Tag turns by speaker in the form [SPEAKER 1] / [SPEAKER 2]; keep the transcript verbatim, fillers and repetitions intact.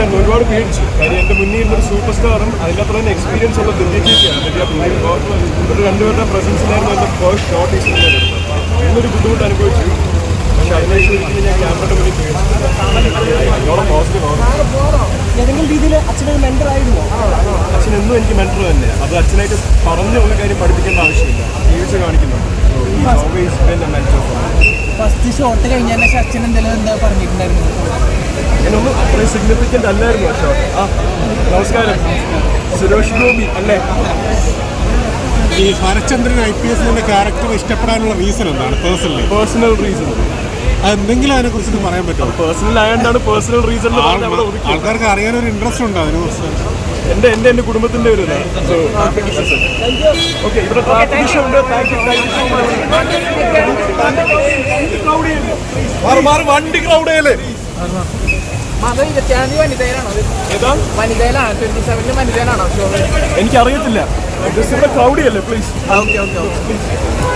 [SPEAKER 1] ഉണ്ടായിരുന്നു, ഒരുപാട് പേടിച്ചു. കാര്യം എൻ്റെ മുന്നിൽ ഇരുന്നൊരു സൂപ്പർ സ്റ്റാറും അതിൻ്റെ അത്ര തന്നെ എക്സ്പീരിയൻസ് ഉള്ള ദിവ്യ ചേച്ചിയാണ്. ദിവ്യ ഒരു രണ്ടുപേരുടെ പ്രസൻസിലായിരുന്നു എൻ്റെ ഫസ്റ്റ് ഷോട്ട് ഈ സിനിമ എടുത്തത്. ഇന്നൊരു ബുദ്ധിമുട്ട് അനുഭവിച്ചു. പക്ഷെ അതിനേശം ഒരിക്കലും ഞാൻ ക്യാമറയുടെ മുന്നിൽ പേടിച്ചിട്ടില്ല. പോസിറ്റീവ്
[SPEAKER 2] ഏതെങ്കിലും രീതിയിൽ അച്ഛനൊരു മെന്റർ ആയിരുന്നു.
[SPEAKER 1] അച്ഛൻ എന്നും എനിക്ക് മെന്റർ തന്നെ. അത് അച്ഛനായിട്ട് പറഞ്ഞ ഒരു കാര്യം പഠിപ്പിക്കേണ്ട ആവശ്യമില്ല, ജീവിച്ച് കാണിക്കുന്നുണ്ട്.
[SPEAKER 2] ഫസ്റ്റ് ഷോട്ട് കഴിഞ്ഞാൽ അച്ഛൻ എന്തെങ്കിലും എന്താ പറഞ്ഞിട്ടുണ്ടായിരുന്നു?
[SPEAKER 1] എന്നൊന്നും അത്രയും സിഗ്നിഫിക്കൻ്റ് അല്ലായിരുന്നു ആ ഷോട്ട്. ആ നമസ്കാരം, സുരേഷ് ഗോപി അല്ലേ?
[SPEAKER 3] ഈ ശരത്ചന്ദ്രൻ ഐ പി എസിന്റെ ക്യാരക്ടർ ഇഷ്ടപ്പെടാനുള്ള റീസൺ എന്താണ്? പേഴ്സണലി
[SPEAKER 1] പേഴ്സണൽ റീസൺ
[SPEAKER 3] അതെന്തെങ്കിലും അതിനെ കുറിച്ച് പറയാൻ പറ്റുമോ?
[SPEAKER 1] പേഴ്സണൽ ആയതുകൊണ്ടാണ് പേഴ്സണൽ റീസൺ.
[SPEAKER 3] ആൾക്കാർക്ക് അറിയാനൊരു ഇൻട്രസ്റ്റ് ഉണ്ട് അതിനെ കുറിച്ച്.
[SPEAKER 1] എൻ്റെ എൻ്റെ എൻ്റെ കുടുംബത്തിൻ്റെ ഒരു ഓക്കെ. ഇവിടെ ട്രാഫിക് ഇഷ്യൂ ഉണ്ട്. വണ്ടി ക്രൗഡേല് എനിക്കറിയത്തില്ല. ഇവിടെ ക്രൗഡിയല്ലേ? പ്ലീസ്.